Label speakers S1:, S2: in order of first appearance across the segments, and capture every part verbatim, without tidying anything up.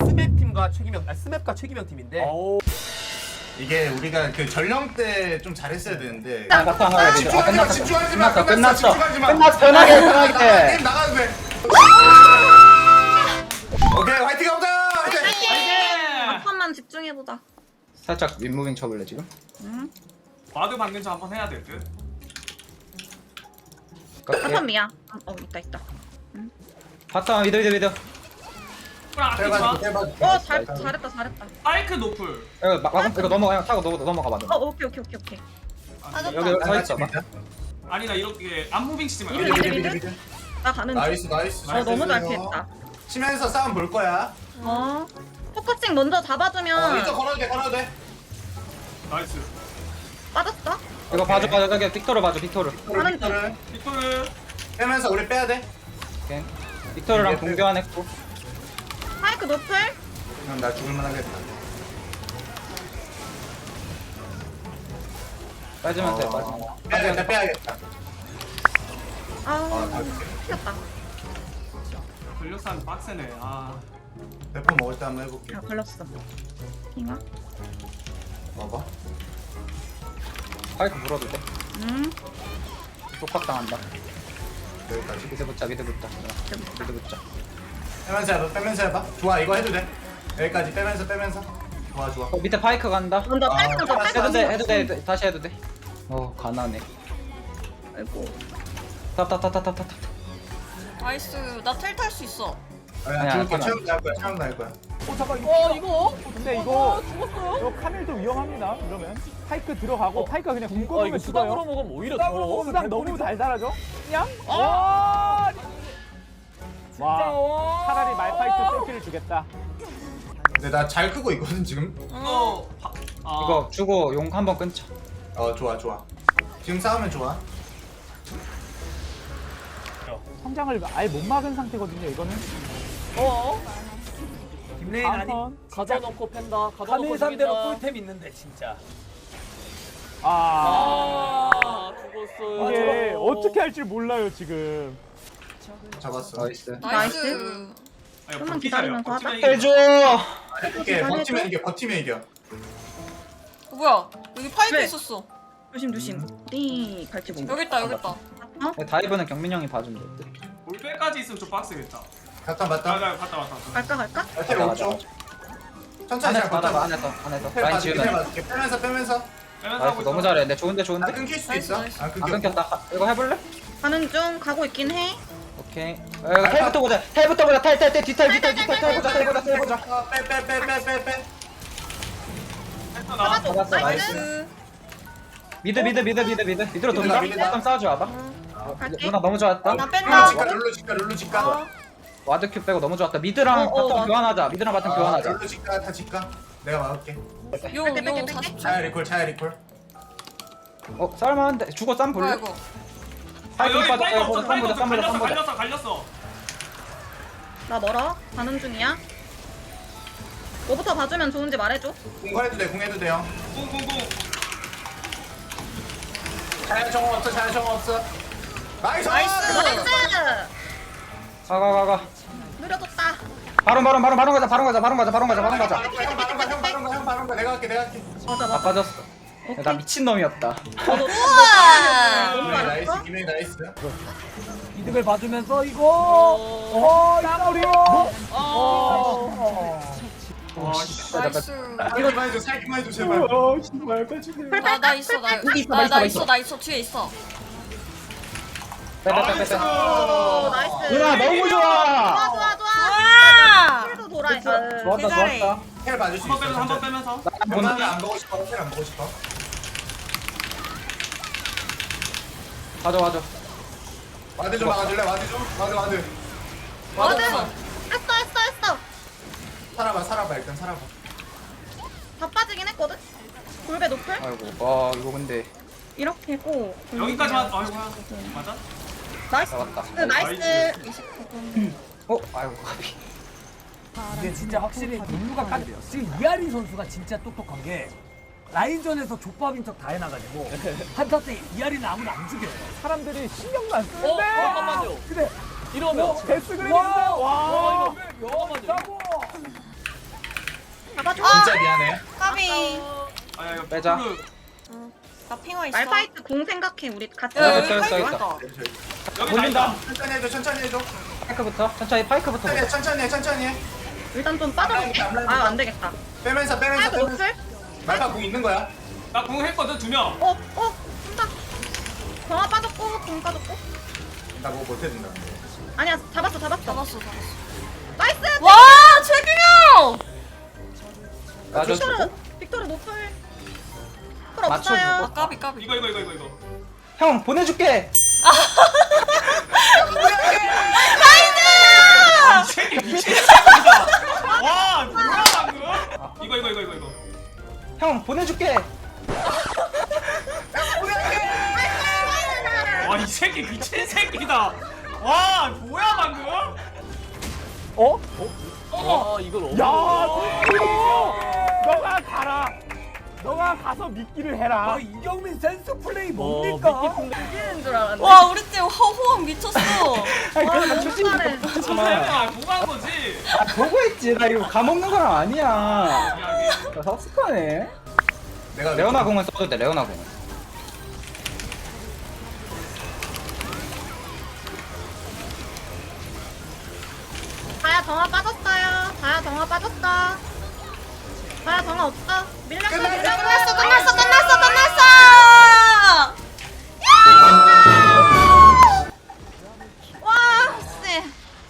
S1: 스맵 팀과 최기명, 아 스맵과 최기명 팀인데.
S2: 오.
S3: 이게 우리가 그 전령 때 좀 잘했어야 되는데.
S4: 아, 바탕 하나 돼. 아,
S3: 집중하지 마,
S4: 끝났어.
S3: 집중하지 마,
S4: 끝났어.
S3: 끝났어,
S4: 끝났어.
S3: 집중하지 마.
S4: 끝났어. 편하게
S3: 나가, 나가,
S4: 편하게.
S3: 게임 나가도 돼. 오케이, 화이팅 가보자. 화이팅.
S5: 한판만 집중해보자.
S4: 살짝 윗무빙 쳐볼래 지금?
S5: 응?
S2: 와드 받는 저 한번 해야 될 듯.
S5: 한판 미야. 어 있다 있다.
S4: 바탕 미드 미드 미드.
S2: 그럼 아끼지 마.
S3: 대박,
S5: 어
S3: 대박.
S5: 잘 잘했다 잘했다.
S2: 파이크 노플.
S4: 이거 막 막- 이거 넘어가 그냥 타고 넘어 넘어가 봐.
S5: 어 오케이 오케이 오케이 오케이.
S2: 아,
S4: 여기 여기 서 있어 봐.
S2: 아니 나 이렇게 안무빙 치지 마.
S5: 미드,
S2: 이렇게.
S5: 미드, 미드. 나 가는 중.
S3: 나이스, 나이스.
S5: 어 너무 잘
S3: 나이스.
S5: 피했다.
S3: 치면서 싸움 볼 거야.
S5: 어 포커싱 먼저
S3: 어,
S5: 잡아주면
S3: 이쪽 걸어도 돼, 걸어도 돼.
S2: 나이스.
S5: 빠졌어?
S4: 이거 봐줘 봐줘 저기 빅토르 봐줘 빅토르.
S5: 하는
S3: 빅토르
S2: 빅토르.
S3: 빼면서 우리 빼야 돼.
S4: 오케이. 빅토르랑 공교환 했고.
S5: 파이크 노플?
S3: 그럼 나 죽을만 하겠다.
S4: 빠지면 돼
S3: 어,
S4: 빠지면.
S3: 빼야겠다, 빼야겠다.
S5: 아
S3: 아, 다
S5: 피했다.
S2: 걸렸산 빡세네. 아.
S3: 대포 먹을 때 한번 해볼게.
S5: 아 걸렸어. 이거?
S3: 봐봐.
S4: 파이크 물어도 돼.
S5: 음.
S4: 속박 당한다.
S3: 여기까지.
S4: 미드 붙자 미드 붙자. 미드 붙자.
S3: 빼면서 해봐, 빼면서 해봐. 좋아, 이거 해도 돼. 여기까지 빼면서, 빼면서. 좋아, 좋아.
S4: 어 밑에 파이크 간다.
S5: 먼저
S3: 아,
S5: 파이크 먼저
S3: 해도
S5: 파이크
S4: 해도 돼
S5: 먼저.
S4: 해도 돼 해도 돼. 다시 해도 돼. 어 가난해.
S5: 아이고.
S4: 탑탑탑탑탑탑.
S6: 나이스. 나 텔 탈 수 있어.
S3: 아니야,
S4: 아니야,
S3: 죽을 거야.
S4: 아니야.
S3: 체험 날 거야, 체험 날 거야.
S7: 어 잠깐 이거
S8: 어 이거?
S7: 근데 이거 이거 카밀도 위험합니다 이러면 파이크 들어가고 파이크가 그냥 궁
S8: 어
S7: 꺼놓으면
S8: 이거 수당으로
S7: 죽어요
S8: 먹으면 오히려
S7: 수당으로
S8: 더
S7: 먹으면 수당 너무 달달하죠? 그냥?
S8: 아!
S7: 와
S8: 진짜
S7: 와
S8: 와
S7: 차라리 말파이트 셀키를 주겠다
S3: 근데 나 잘 크고 있거든, 지금.
S2: 이거 바, 아,
S4: 이거 주고 용 한번 끊자.
S3: 어, 좋아, 좋아. 지금 싸우면 좋아.
S7: 성장을 아예 못 막은 상태거든요 이거는
S8: 어?
S1: 김레인 아니.
S7: 한번
S8: 가져놓고 팬다 가져놓고
S1: 카밀 상대로
S8: 죽인다.
S1: 꿀템 있는데 진짜.
S7: 아
S8: 아 죽었어요
S7: 이게
S8: 저거.
S7: 어떻게 할 줄 몰라요 지금
S3: 잡았어.
S4: 나이스.
S6: 나이스.
S2: 아니,
S5: 좀만
S2: 버티자며.
S5: 기다리면서 하자.
S2: 버티면 이겨.
S4: 해줘.
S3: 이렇게 버티면 이겨, 버티면 이겨.
S6: 어, 뭐야? 여기 파이크
S5: 왜?
S6: 있었어.
S5: 조심 조심. 띠 갈치 공.
S6: 여기 있다 여기 있다.
S4: 다이브는 경민 형이 봐주면 돼.
S2: 올빼까지 있으면 좀 빡세겠다.
S3: 갔다
S2: 아,
S3: 봤다.
S2: 나 갔다 왔다.
S5: 갈까 갈까?
S3: 어떻게
S4: 맞아,
S3: 오죠? 천천히
S4: 안에서
S3: 잘
S4: 받아봐
S3: 버텨.
S4: 안에서 안에서
S3: 텔
S4: 라인
S3: 봐줄게, 텔
S4: 지우면.
S3: 봐줄게. 빼면서, 빼면서.
S2: 빼면서
S4: 나이스
S2: 하고
S4: 너무
S2: 있어.
S4: 잘해. 근데 좋은데
S3: 아,
S4: 좋은데.
S3: 끊길 수도
S6: 나이스,
S3: 있어.
S6: 나이스.
S3: 안
S4: 안
S3: 끊겨.
S4: 끊겼다. 이거 해볼래?
S5: 가는 중 가고 있긴 해.
S4: 오케이. 어, 이거 텔부터 보자. 텔부터 보자. 텔텔텔 뒤텔 뒤텔 뒤텔 텔 보자 텔 보자 텔 보자.
S3: 어, 빼, 빼, 빼, 빼, 빼, 빼.
S2: 했어, 나.
S5: 잡아줘.
S4: 잡았어,
S5: 나이스.
S6: 나이스.
S4: 미드 미드 미드 미드 미드 미드로 돈다.
S3: 미드다.
S4: 좀 싸워줘 와봐.
S5: 갈게.
S4: 누나 너무 좋았다.
S6: 나
S3: 룰루
S6: 뺀다.
S3: 직가, 룰루 직가, 룰루 직가.
S6: 어.
S4: 와드 큐 빼고 너무 좋았다. 미드랑
S5: 어, 어,
S4: 바텀
S5: 맞아.
S4: 교환하자. 미드랑 바텀
S3: 아,
S4: 교환하자.
S3: 룰루 직가, 다 직가. 내가 막을게.
S6: 용,
S5: 뺄게, 뺄게,
S6: 용
S5: 뺄게.
S6: 사십 초.
S3: 차야 리콜, 차야 리콜.
S4: 어 쌀만한데 죽어 쌈 볼래?
S6: 뭐야 이거?
S2: 아,
S4: 파이크
S2: 여기
S4: 빠져.
S2: 파이크
S4: 어,
S2: 없어.
S4: 쌈
S2: 파이크
S4: 보자
S2: 없어.
S4: 쌈 보자 쌈
S2: 갈렸어,
S4: 보자.
S2: 갈렸어, 갈렸어.
S5: 나 멀어. 가는 중이야. 뭐부터 봐주면 좋은지 말해줘.
S3: 공부해도 돼, 공해도 돼요.
S2: 꿍꿍꿍.
S3: 차야 정어 없어, 차야 정어 없어. 나이스!
S6: 나이스.
S5: 나이스.
S4: 가가가가.
S5: 느려졌다.
S4: 바로 바로 바로 바로 가자 바로 가자 바로 가자 바로 가자 바로 가자.
S3: 형 바로 가, 형 바로 가, 형 바로 가. 내가 할게, 내가 할게.
S5: 맞아
S4: 다
S5: 맞아.
S4: 빠졌어. 야, 나 미친 놈이었다.
S5: 너도
S6: 우와.
S5: 너무
S3: 김행
S5: 잘했어.
S3: 나이스, 김행 나이스.
S8: 이득을 봐주면서 이거
S7: 어 땀으로
S8: 어
S2: 와, 씨.
S6: 나이스.
S3: 살기만 해줘, 살기만 해줘, 제발.
S7: 어 정말 빠지네
S6: 나, 나 있어 나,
S4: 있어, 있어,
S6: 나, 나
S4: 있어.
S6: 있어 나 있어 뒤에 있어.
S4: 빼빼빼빼.
S5: 오 나이스.
S4: 누나 너무 좋아.
S5: 좋아 좋아 좋아.
S6: 와.
S5: 킬도 돌아. 아,
S4: 좋았다
S6: 대단해.
S4: 좋았다.
S3: 텔 봐줄 수
S2: 한번
S3: 있어.
S2: 빼면서, 한번 빼면서.
S3: 변화는 안 보고 싶어, 텔 안 보고 싶어.
S4: 가져 가져.
S3: 와드 좀 막아줄래? 와드 좀? 와드, 와드.
S5: 와드.
S3: 와드.
S5: 했어 했어 했어.
S3: 살아봐, 살아봐, 일단 살아봐.
S5: 다 빠지긴 했거든. 골배 높을?
S4: 아이고 와 이거 근데
S5: 이렇게 고.
S2: 여기까지만. 아이고야. 맞아?
S5: 나이스.
S4: 잡았다.
S5: 그 나이스.
S4: 어 아이고 가비.
S8: 이게 진짜 확실히 눈누가 깐대요. 지금 이하린 선수가 진짜 똑똑한 게 라인전에서 족밥인 척 다 해놔가지고 한타 때 이하린은 아무도 안 죽여요.
S7: 사람들이 신경도 안
S8: 어?
S7: 쓰는데
S8: 잠깐만요.
S7: 근데
S8: 이러면
S7: 어, 데스 그램이
S8: 와,
S7: 있어요. 와
S8: 와, 이거 잠깐만요.
S7: 싸고
S5: 잡아줘.
S3: 진짜 미안해.
S6: 까비.
S2: 아야 이거
S4: 빼자.
S2: 블루.
S6: 나 핑화 있어.
S5: 말파이트 공 생각해. 우리 같이.
S6: 야,
S4: 있어,
S6: 여기
S4: 있어,
S6: 파이프
S4: 있어.
S6: 있다.
S2: 여기
S7: 돌린다.
S2: 다
S3: 천천히 해줘 천천히 해줘.
S4: 파이크부터 천천히 파이크부터
S3: 천천히 해
S4: 보자.
S3: 천천히 해 천천히 해.
S5: 일단 좀 빠져볼게. 아 안 되겠다.
S3: 빼면서 빼면서
S5: 파이브
S3: 빼면서.
S5: 노플?
S3: 말파 공 있는 거야.
S2: 나궁 했거든 두 명.
S5: 어 어. 한다. 정화 빠졌고 공 빠졌고.
S3: 나 뭐 못해준다.
S5: 아니야 잡았어 잡았어.
S6: 잡았어, 잡았어.
S5: 나이스.
S6: 와, 최규명!
S4: 나줘
S5: 빅토르 빅토르 노플. 풀
S4: 맞춰주고.
S5: 없어요.
S6: 아, 까비, 까비.
S2: 이거 이거 이거 이거 이거.
S4: 형 보내줄게.
S2: 아, 이 새끼 미친 새끼다. 와 뭐야 방금? 이거 이거 이거 이거 이거.
S4: 형 보내줄게.
S2: 와 이 새끼 미친 새끼다. 와 뭐야 방금?
S7: 어?
S8: 어 이걸
S7: 야, 너 너가 가라. 너가 가서 미끼를 해라.
S8: 아, 이경민 센스 플레이 뭡니까?
S5: 이기는 줄 알았네.
S6: 와, 우리 팀 허, 호흡 미쳤어.
S4: 아니
S5: 와,
S4: 그래서
S5: 너무
S4: 초심
S5: 잘해.
S2: 설마 뭐한 거지?
S4: 아 보고 있지. 나 이거 가먹는 거랑 아니야.
S2: 야,
S4: 나 섭섭하네.
S3: 내가
S4: 레오나 공은 써도 돼. 레오나 공은.
S5: 자야 정화 빠졌어요. 자야 정화 빠졌다. 자야 정화 없어. 밀렸어 밀렸어.
S6: 끝났어, 끝났어, 끝났어, 끝났어! 와, 씨.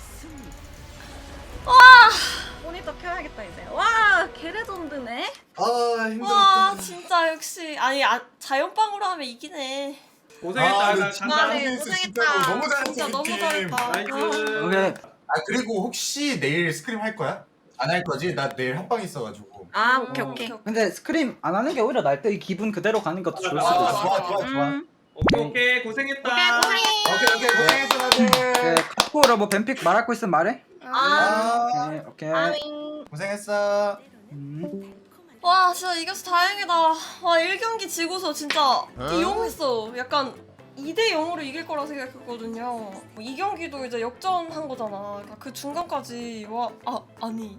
S6: 와,
S5: 모니터 켜야겠다 이제. 와 개레전드네.
S3: 아
S6: 와,
S3: 힘들었다.
S6: 진짜 역시. 아니, 아, 자연빵으로 하면 이기네.
S2: 고생했다.
S3: 아,
S2: 나
S3: 근데 진짜
S2: 간다.
S6: 아, 네,
S3: 고생했어,
S6: 고생했다.
S3: 진짜로. 너무 잘했어,
S6: 진짜
S3: 우리
S6: 너무
S3: 팀.
S6: 잘했다.
S2: 나이스.
S4: 오케이.
S3: 아 그리고 혹시 내일 스크림 할 거야? 안 할 거지? 나 내일 합방 있어가지고.
S5: 아 오케이 오케이.
S4: 근데 스크림 안 하는 게 오히려 날 때 이 기분 그대로 가는 것도 좋을
S3: 아,
S4: 수도
S3: 좋아
S4: 있어.
S3: 좋아 좋아 좋아.
S5: 음.
S2: 오케이 오케이 고생했다.
S5: 오케이 고생해.
S3: 오케이 오케이 고생했어 다들.
S4: 네, 카코로 뭐 뱀픽 말할 거 있으면 말해.
S5: 아.
S4: 오케이 오케이.
S5: 아윙.
S3: 고생했어.
S4: 음.
S6: 와, 진짜 이겨서 다행이다. 와, 일 경기 지고서 진짜 이용했어. 약간 이 대 영으로 이길 거라 생각했거든요. 이 경기도 이제 역전한 거잖아. 그러니까 그 중간까지 와, 아, 아니.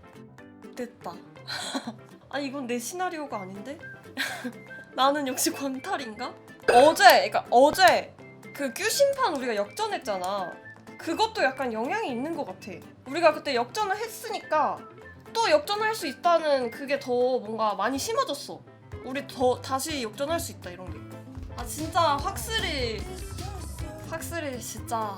S6: 됐다. 아니, 이건 내 시나리오가 아닌데? 나는 역시 광탈인가? 어제, 그러니까 어제 그 큐심판 우리가 역전했잖아. 그것도 약간 영향이 있는 것 같아. 우리가 그때 역전을 했으니까 또 역전할 수 있다는 그게 더 뭔가 많이 심어졌어. 우리 더 다시 역전할 수 있다 이런 게. 아 진짜 확실히 확실히 진짜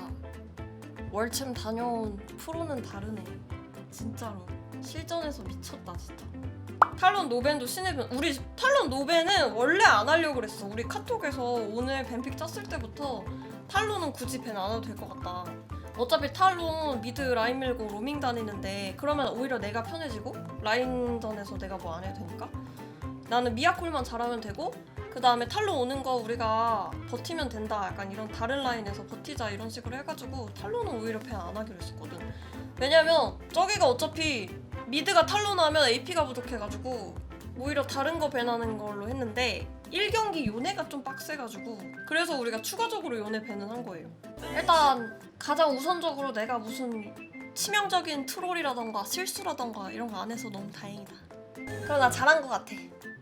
S6: 월챔 다녀온 프로는 다르네. 진짜로 실전에서 미쳤다 진짜. 탈론 노벤도 신의 변. 우리 탈론 노벤은 원래 안 하려고 그랬어. 우리 카톡에서 오늘 뱀픽 짰을 때부터 탈론은 굳이 밴 안 해도 될 것 같다. 어차피 탈론 미드 라인 밀고 로밍 다니는데 그러면 오히려 내가 편해지고 라인전에서 내가 뭐 안 해도 되니까 나는 미아콜만 잘하면 되고 그 다음에 탈론 오는 거 우리가 버티면 된다 약간 이런 다른 라인에서 버티자 이런 식으로 해가지고 탈론은 오히려 밴 안 하기로 했었거든. 왜냐면 저기가 어차피 미드가 탈론 하면 에이피가 부족해가지고 오히려 다른 거 밴하는 걸로 했는데 일 경기 요네가 좀 빡세가지고 그래서 우리가 추가적으로 요네 밴은 한 거예요. 일단 가장 우선적으로 내가 무슨 치명적인 트롤이라던가 실수라던가 이런 거 안 해서 너무 다행이다. 그럼 나 잘한 거 같아.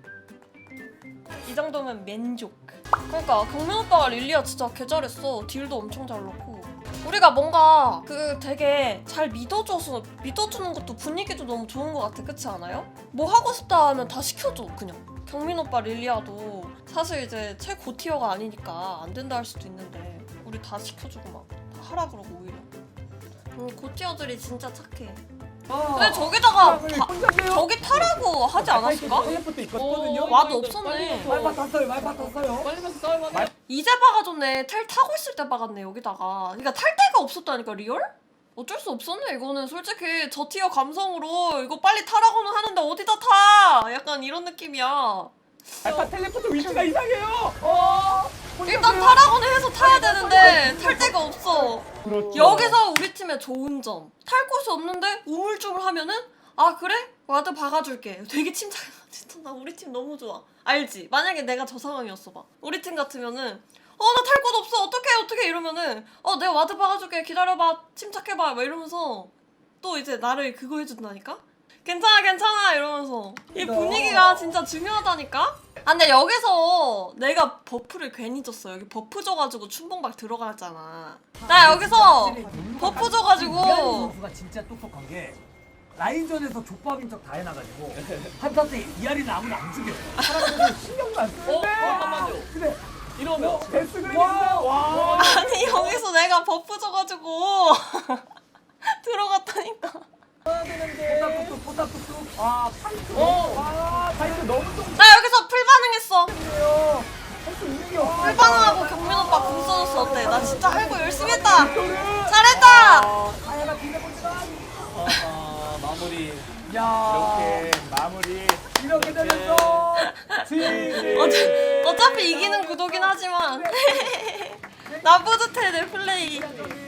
S6: 이 정도면 만족. 그러니까 경민 오빠가 릴리아 진짜 개 잘했어. 딜도 엄청 잘 넣고 우리가 뭔가 그 되게 잘 믿어줘서 믿어주는 것도 분위기도 너무 좋은 것 같아. 그렇지 않아요? 뭐 하고 싶다 하면 다 시켜줘 그냥. 경민 오빠 릴리아도 사실 이제 최고 티어가 아니니까 안 된다 할 수도 있는데 우리 다 시켜주고 막 다 하라 그러고 오히려. 음, 고티어들이 진짜 착해. 근데 저기다가 바, 저기 타라고 하지 않았을까?
S8: 텔레포트 있거든요.
S6: 와도 없었네.
S8: 말파 탔어요. 말파 탔어요.
S6: 이제 박아줬네. 텔 타고 있을 때 박았네 여기다가. 그러니까 탈 데가 없었다니까 리얼? 어쩔 수 없었네 이거는. 솔직히 저 티어 감성으로 이거 빨리 타라고는 하는데 어디다 타? 약간 이런 느낌이야.
S7: 알파 텔레포트 위치가 이상해요. 어.
S6: 일단 타라고는 해서 타야 되는데 탈 데가 없어.
S7: 그렇죠.
S6: 여기서 우리 팀의 좋은 점. 탈 곳이 없는데 우물쭈물 하면은 아 그래? 와드 박아줄게. 되게 침착해. 진짜 나 우리 팀 너무 좋아. 알지? 만약에 내가 저 상황이었어 봐. 우리 팀 같으면은 어 나 탈 곳 없어. 어떡해 어떡해 이러면은 어 내가 와드 박아줄게. 기다려봐. 침착해봐. 막 이러면서 또 이제 나를 그거 해준다니까? 괜찮아 괜찮아 이러면서 이 분위기가 진짜 중요하다니까? 아 근데 여기서 내가 버프를 괜히 줬어. 여기 버프 줘가지고 춘봉박 들어갔잖아. 나 여기서 버프
S8: 이하리
S6: 줘가지고
S8: 선수가 진짜 똑똑한 게 라인전에서 족밥인 척 다 해놔가지고 한타 때 이하리는 아무도 안 죽여. 사람들이 신경도 안 쓰는데.
S1: 어? 잠깐만요.
S8: 근데
S1: 이러면
S8: 데스 그램인데 와.
S6: 아니 여기서 내가 버프 줘가지고 들어갔다니까.
S8: 포탑 포탑 뚝뚝. 아 파이트.
S1: 어.
S8: 아 파이트 너무 좀
S6: 나 여기서 풀 반응했어.
S8: 좋네요. 할수 있는 게 없어.
S6: 풀 반응하고 경민 오빠 궁 써줬어. 어때? 나 진짜 할거 열심히 했다. 잘했다.
S8: 다야가 뒤져본다.
S1: 아, 아, 마무리
S8: 야
S1: 이렇게 마무리
S8: 이렇게 되면서 지지.
S6: 어차, 어차피 이기는 구도긴 하지만 나 뿌듯해 내 플레이.